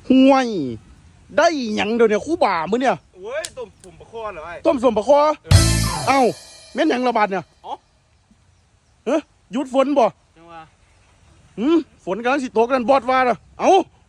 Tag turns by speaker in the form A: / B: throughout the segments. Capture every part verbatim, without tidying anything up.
A: ห่วยได้หยังเดี๋ยวเนี่ยคู่บ่ามื้อเนี่ย
B: เว้ยต้มสุ่มปลาคอเหรอไอ้
A: ต้มสมปะคอเอ้าแม่นหยังระบาดเนี่ยเฮ้ยหยุดฝนบ่
B: จังว่า
A: หืมฝนกำลังสิตกนั่นบอดว่าน่ะเอ้า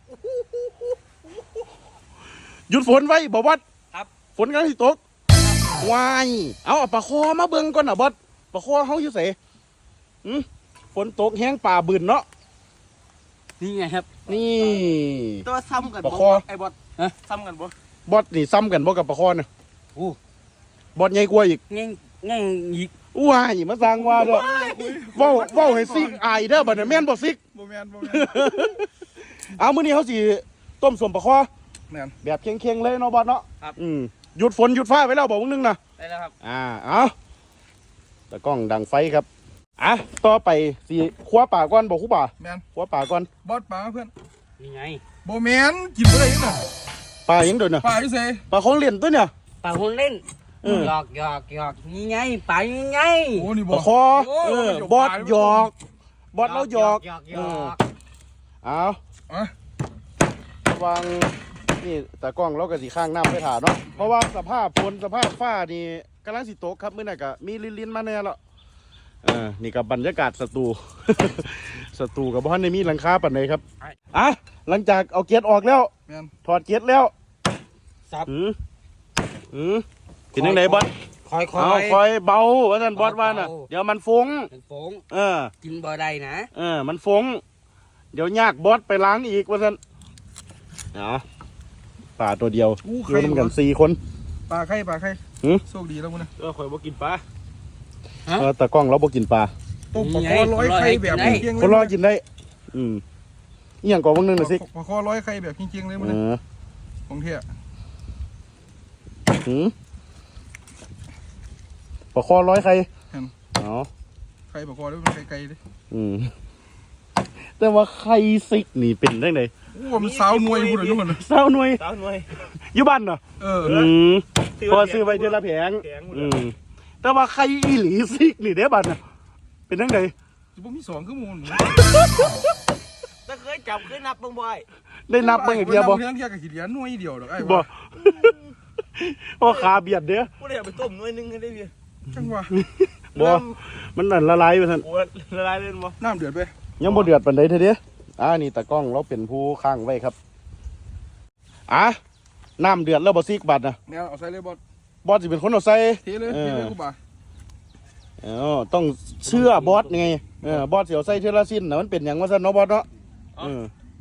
A: หยุดฝนไว้บ่บอด
B: ครับ
A: ฝนกำลังสิตกวายเอาปลาคอมาเบิ่งก่อนน่ะบอดปลาคอเฮาอยู่ไสหืมฝนตกแห้งป่าบืนเนาะ
B: นี่ไงครับ
A: นี่
B: ตัวซ้ำกัน
A: ปลาคอ
B: ไอ้บอสฮะซ้ำกันบ่
A: บอดนี่ซ้ำกันบ่กับปลาคอน่ะ
B: โอ้
A: บอดใหญ่กว่าอีก
B: เง่งเง่งอีก
A: ว้ายมาสร้างว่าเด้อเว้าเว้าให้ซิกอายเด้อบัดนี้แม่นบ่ซิก
C: บ่แม่นบ่แม่น
A: เอามื้อนี้เฮาสิต้มสมปลาคอ
C: แม่น
A: แบบเค็งๆเลยเนาะบอดเนาะ
B: ครับ
A: อืมหยุดฝนหยุดฟ้าไว้แล้วบอกมึงนึงนะ
B: ได้แล้วครับ
A: อ่าเอาตะกล้องดังไฟครับอ่ะต่อไปสิคว้าป่าก่อนบอกคู่ป่า
C: แม่น
A: คว้าป่าก่อน
C: บอสป่าเพื่อน
B: นี่ไง
C: บ่แม่นกินบ่ได้ยังน่ะ
A: ป่ายังเดินน่ะ
C: ป่าอยู่ไส
A: ป่าของเล่นตัวเนี่ย
B: ป่าคนเล่นหยอกหยอกหยอกนี่ไงป่ายังไง
C: โอ้นี่บ่
A: ปลาคอเออบอดหยอกบอดเราหยอก
B: หยอกหยอก
A: เอา
C: อ่ะ
A: วางนี่ตะกล้องเราก็สิข้างน้ำไปถ่าเนาะเพราะว่าสภาพฝนสภาพฟ้านี่กำลังสิตกครับมื้อนั้นก็มีลิ้นๆมาแน่แล้วเออนี่กับบรรยากาศสตู สตูกับบ้านในมีหลังคาปันไหนครับอ่ะหลังจากเอาเกียร์ออกแล้วถอดเกียร์แล้ว
B: สับ
A: หืมหืมกินยังไงบอส
B: คอยคอย
A: เอาคอยเบาว่าท่านบอสว่าน่ะเดี๋ยวมันฟุ้ง
B: มันฟุ้ง
A: เออ
B: กินบ่ได้นะ
A: เออมันฟุ้งเดี๋ยวยากบอสไปล้างอีกว่าท่านเนาะป่าตัวเดียวอยู่ร่วมกันสี่คน
C: ปลาไข่ปลาไข่
A: หืม
C: โชคดีแล้วมึงนะ
B: เออคอยบ่กินปลา
A: เออตะกล้องเราบ่กินปลา
C: ต้มปลาคอร้อยไข่แบบเคียงๆเลย
A: คนรอกินได้อืมอีหยังก่อนวันนึงน่ะสิ
C: ปลาคอร้อยไข่แบบเคียงๆเลยมึงนะของเที่ย
A: หืมปลาคอร้อยไข่อ๋อ
C: ไข่ปลาคอด้วยมันไข่ไก่ดิ
A: อืมแต่ว่าไข่ซิกนี่เป็นได้ไง
C: โอ้มันสาวหน่วยพูดเลยทุกคน
A: สาวหน่วย
B: สาวหน่วย
A: อยู่บ้านเนาะ
C: เออ
A: อืมพอซื้อไปเดือนละแผงอืมแต่ว่าไข่อีหลีซิกนี่เด้บ้านน่ะเป็นได้ไง
C: จะบ่มีสองขึ้นมูล
B: ถ้าเคยจับเคยนับบ้างบ่อย
A: ได้นับบ้างไอ้เบียบ่
C: เพียงแค่กับขีดเหรียญหน่วยเดียวหรอกไอ้
A: บ่พอขาเบียดเด้อ
B: กูเลยเอาไปต้มหน่วยนึงให้ได้เบีย
C: จังวะ
A: บ่มันนั่นละลายไปท่าน
B: โอ้ละลายเลยบ่
C: น้ำเดือดไป
A: ยังบ่เดือดปานใดเถอะเด้ออ่านี่ตะกล้องเราเป็นผู้ข้างไว้ครับอ่ะน้ำเดือดแล้วบ่ซิกบัดน่ะ
C: แนวเอาใส่เลยบอส
A: บอสสิเป็นคนเอาใส่
C: เทเลยเทเลยกูบ่า
A: อ๋อต้องเชื่อบอสไงเออบอสเสียวใส่เทละสิ้นนะมันเป็นอย่างว่าซั่นเนาะบอสเนาะเออ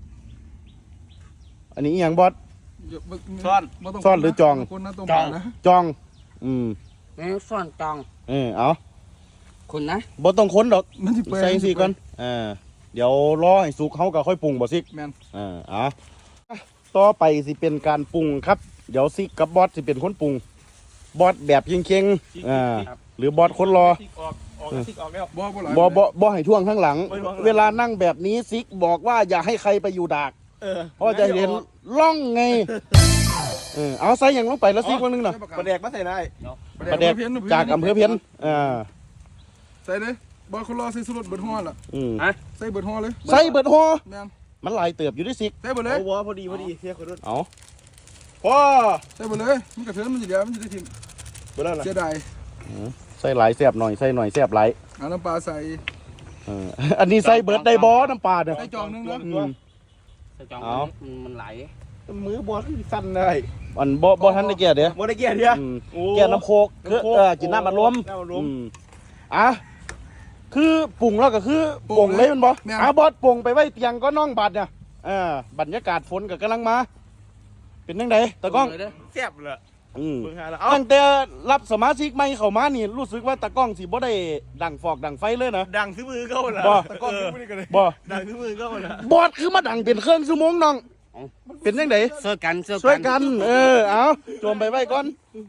A: อันนี้อย่างบอส
B: ซ่อน
A: ซ่อนหรือจอง
C: จอง
A: จองอืม
B: ซ่อนจอง
A: เออเอา
B: คนนะ
A: บอสต้องค้นดอกใส่สิก่อนอ่าเดี๋ยวรอให้สุกเขาก็ค่อยปรุงบ่ซิก
C: แม่น
A: อ่าเอาต่อไปสิเป็นการปรุงครับเดี๋ยวซิกกับบอสสิเป็นคนปรุงบอสแบบเคียงๆอ่าหรือบอสคนรอ
C: บ่
A: บ่บ่บ่ให้ท่วงข้างหลังเวลานั่งแบบนี้ซิกบอกว่าอย่าให้ใครไปอยู่ดากเพราะจะเห็นล่องไงเออเอาใส่อย่างลงไปแล้วซิกวันนึงหน่อย
B: ปลาแดกมาใส่ได้
A: ปลาแดกจากอำเภอเพี้ยนอ่า
C: ใส่เลยบอสคนรอใส่สุดเบิดห่อล่ะใส่เบิดห่อเลย
A: ใส่เบิดห่อมันหลายเติบอยู่ด้วยซิก
C: ใส่เบิดเลย
B: เอาวะพอดีพอดีเสียคนรุ่น
A: เอาพ่อ
C: ใส่เบิดเลยมันกระเทือนมันจะเดี๋ยวมันจะได้ทิ้ง
B: เบิดแล้ว
C: เสียดาย
A: ใส่หลายแซ่บหน่อยใส่หน่อยแซ่บหลาย
C: เอาน้ำปลาใส่
A: อันนี้ใส่เบิดได้บอน้ำปลาเนี่ย
C: ใส่จองนึงนะ
B: ใส่จองมันไหล
C: มือบอสสั่นเลย
A: อันบ่บ่ทันได้แก่เด้อ
B: บ่ได้แก่เด้อ
A: แก่น้ำโคกคือเออกินน้ำมันลมอ่ะคือปรุงแล้วก็คือปรุงเลยมันบ่อ่ะบอสปรุงไปไว้เตียงก็น้องบัดเนี่ยอ่าบรรยากาศฝนก็กำลังมาเป็นยังไงตะก้อง
B: แซ่บเลย
A: อืมตั้งแต่รับสมาชิกใหม่เข้ามานี่รู้สึกว่าตะก้องสิบ่ได้ดังฟอกดังไฟเลยนะ
B: ดังซื้อมือเข้าละ
A: บ่
C: ตะก้องซื้อมือกันเลย
A: บ่
B: ดังซื้อมือเข้าละ
A: บอสคือมาดังเป็นเครื่องชั่วโมงน้องเป็นยังไง
B: ช่วยกัน
A: ช่วยกันเออเอาจมไปไว้ก่อน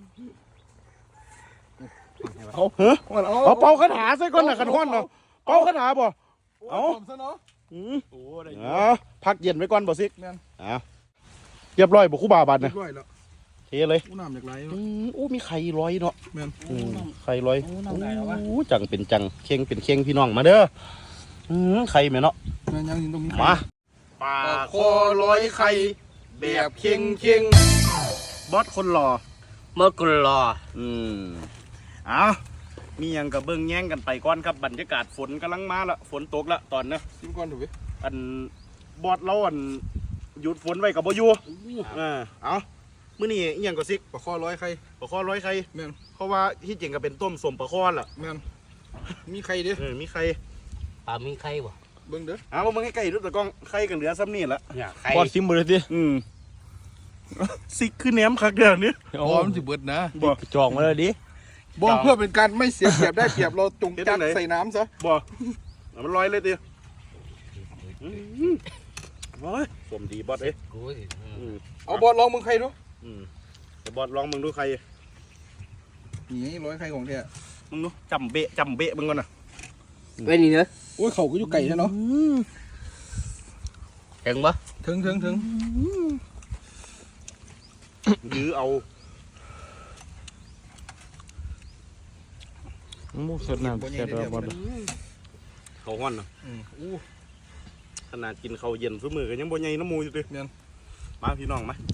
A: เอาเฮ้อเอาเป่าคาถาใส่ก่อนน่ะขันห้อนเนาะเป่าคาถาบ่เอาอืมเอาพักเย็นไว้ก่อนบ่ซิกเอาเรียบร้อยบ่คู่บาบาดเนี่ยเทเลย
C: อู้น้ำจากไร
A: อู้มีไข่ลอยเนาะไข่ลอยอู้จังเป็นจังเข่งเป็นเข่งพี่น้องมาเด้อไข่แม่เนาะ
C: ยังยังตรงนี้
A: มา
C: ปลาคอลอยไข่
A: แบบเค็งเค็งบอสคนหล่อ
B: เมื่อกุรอ
A: อืมเอามีหยังกับเบิ้งแย่งกันไปก่อนครับบรรยากาศฝนกำลังมาละฝนตกละตอนนี้
C: ชิมก่อนถูกไหม
A: อันบอสเราอันหยุดฝนไว้กับบ่อยู่อ่าเอามื้อนี้อีหยังก็ซิก
C: ปลาข้อร้อยใคร
A: ปลาคอร้อยไข่
C: แม่น
A: เพราะว่าที่จริงก็เป็นต้มสมปลาคอล่ะ
C: แม่นมีใครเด้อ
A: เออมีไข่
B: ปลามีไข่บ่
C: เบิ่งเด้อ
A: เอามึงให้ไก่ดูตะกล้องไข่กันเหลือซ้ำนี่ละ
B: เนี่ยไข่
D: พอดซิมเบอร์ดิ
A: อืมซิกคือแหนมคักเดียวนี้
C: อ๋อมันสิเบิดนะ
A: บ่
D: จองมาเลยดิ
C: บ่เพื่อเป็นการไม่เสียเปรียบได้เปรียบเราจงจัดใส่น้ำซะ
A: บ่เอามันลอยเลยติอืมโอ้ยผมดีบอสเอ้ย
B: กูสิ
A: อืม
C: เอาบอลลองมึงใครดู
A: อืมเดี๋ยวบอสลองมึงดูใคร
C: นี่ร้อยใครของแท้
A: มึงดูจำเบะจำเบะมึงก่อนนะ
B: เว้ยนี่เนอะ
C: โอ้ยเขาก็อยู่ไก่ใช่เนาะ
B: ถึงบ่
C: ถึงถึงถึง
A: ยื้อเอา
D: มูสดน้ำแซ่บแบบบอด
A: เขาห้อนนะ
C: อืมอู้
A: ขนาดกินข้าวเย็นซุมือกันยังบ่ใหญ่น้ำมูอยู่ดิ
C: แม่น
A: มาพี่น้องมา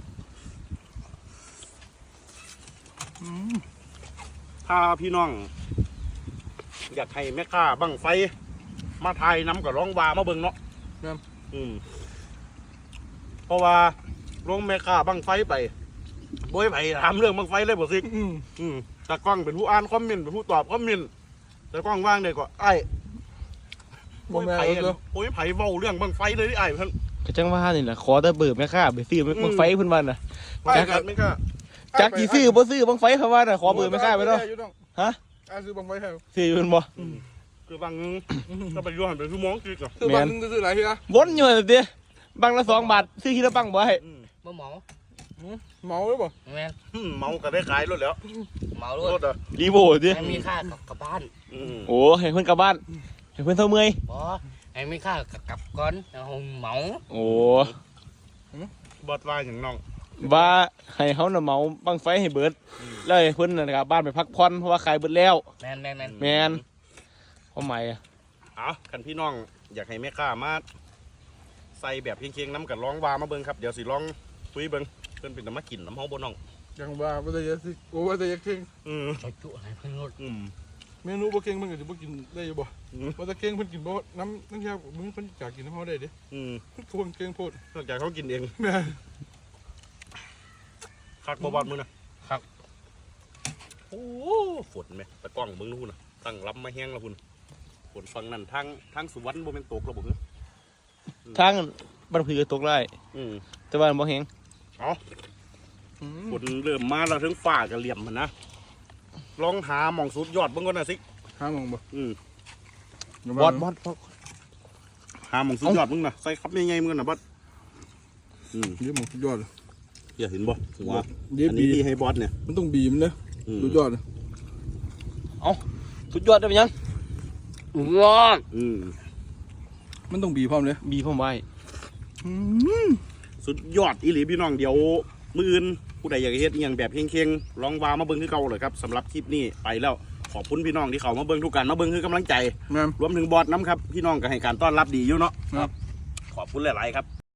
A: ถ้าพี่น้อง อยากให้แม่ค้าบังไฟ มาทายน้ำกับร้องวามาเบิ่งเนาะ
C: แม่น
A: อืมเพราะว่าลงแม่ค้าบังไฟไปบ่ให้ไผถามเรื่องบังไฟเลยบ่ซิก
C: อืม
A: อืมตากล้องเป็นผู้อ่านคอมเมนต์เป็นผู้ตอบคอมเมนต์ตากล้องว่างได้ก็ไอ้
C: บ่แม่น
A: ไผ
C: เอาเด้อ
A: โอ้ยไผเว้าเรื่องบังไฟเลยดิไอ้เพิ่น
D: ก็จังว่านี่แหละขอแต่เบิร์แม่ค้าไปซื้อบังไฟเพิ่นว่าน่ะ
A: ไอ้กันไม่กล้า
D: จักกี่ซื้อบ่ซื้อบังไฟเขาว่าน่ะขอเบิร์แม่ค้าไปเนาะ ฮะ
C: อาซื้อบังไฟให้
D: ซื้อเพิ่นบ่
A: คือบางนึงก็ไปย้อนไปชั่วโมงกิกอ่ะ
C: ซื้อบังนึงซื้อหลายทีละ
D: วนอยู่นั่นติบังละสองบาทซื้อทีละบังบ่ให้
A: อืม
B: บ่หมอ
C: เมาหรือเปล่า
B: แม่น
A: อืมเมาก็ได้ขายรถแล้ว
B: เมาด้
A: ร
B: วย
A: ถอ่ะ
D: รีโวติ
B: ไอ้มีค่ากลับกลับบ้าน
A: อืม
D: โอ้ให้เพิ่นกลับบ้านให้เพิ่นเท่าเมื่อย
B: บ่ไอ้มีค่ากลับกลับก่อนเอาเมา
D: โอ้
A: บอดว่าอย่างน้อง
D: ว่าให้เขาน่ะเหมาบังไฟให้เบิดแล้วให้เพิ่นน่ะกลับบ้านไปพักผ่อนเพราะว่าขายเบิดแล้ว
B: แม่นแม่นแม่น
D: แม่นความหมายอะ
A: เอาคันพี่น้อง อยากให้แม่ค้ามาใส่แบบเคียงๆน้ำกับร้องวามาเบิ่งครับเดี๋ยวสิลองคุยเบิ่งเพิ่นเป็นน้ำมากินน้ำเฮาบ่น้อง
C: ยังว่าบ่ได้ยาสิโอ้ว่าแต่ยาเก่ง
A: อืม
B: จุจุอะไรเพิ่นรถ
A: อืม
C: เมนูบ่เก่งมันก็สิบ่กินได้อยู่บ่
A: อืม
C: ว่าแต่เก่งเพิ่นกินบ่น้ำน้ำยามึงเพิ่นอยากกินน้ำเฮาได้เด้
A: อืม
C: คนเก่งโพด
A: นอกจากเขากินเอง
C: แม่
A: คักบ่บอดมือนะครับ โอ้ฝนไหมตะกล้องมึงนู่นน่ะตั้งรับมาแห้งแล้วพุ่นฝนฝั่งนั้นทางทางสวรรค์บ่แม่นตกแล้วบ่เหรอ
D: ทางบ้านผือตกได้
A: อืม
D: แต่ว่าบ่แฮง
A: เอาฝนเริ่มมาแล้วถึงฟ้าก็เหลี่ยมมันนะลองหาหม่องสุดยอดเบิ่งก่อนน่ะสิ
C: ห้ามองบ่
A: อืม
D: บอดบอดบอด
A: หาหม่องสุดยอดมึงน่ะใส่ครับใหญ่ๆมึงน่ะบอสอืม
C: เดี๋ยวมึงสุดยอดเลย
A: อย่าเห็นบ่หัว
C: เดี๋ยว
A: อัน
C: บี
A: นี้ที่ให้บอสเนี่ย
C: มันต้องบีมันเด้อ
A: อืม
C: สุดยอดเลย
D: สุดยอดได้เป็นยัง
B: ว้า
A: อืม
C: มันต้องบีพร้อมเลย
D: บีผมไว้
A: สุดยอดอีหลีพี่น้องเดี๋ยวมื้ออื่นผู้ใดอยากเฮ็ดอหยังแบบเค็งๆลองวามาเบิ่งคือเก่าเลยครับสำหรับคลิปนี้ไปแล้วขอบคุณพี่น้องที่เขามาเบิ่งทุกการมาเบิ่งคือกำลังใจ
C: แม่น
A: รวมถึงบอสน้ำครับพี่น้องก็ให้การต้อนรับดีอยู่เนาะ
C: ครับ
A: ขอบคุณหลายๆครับ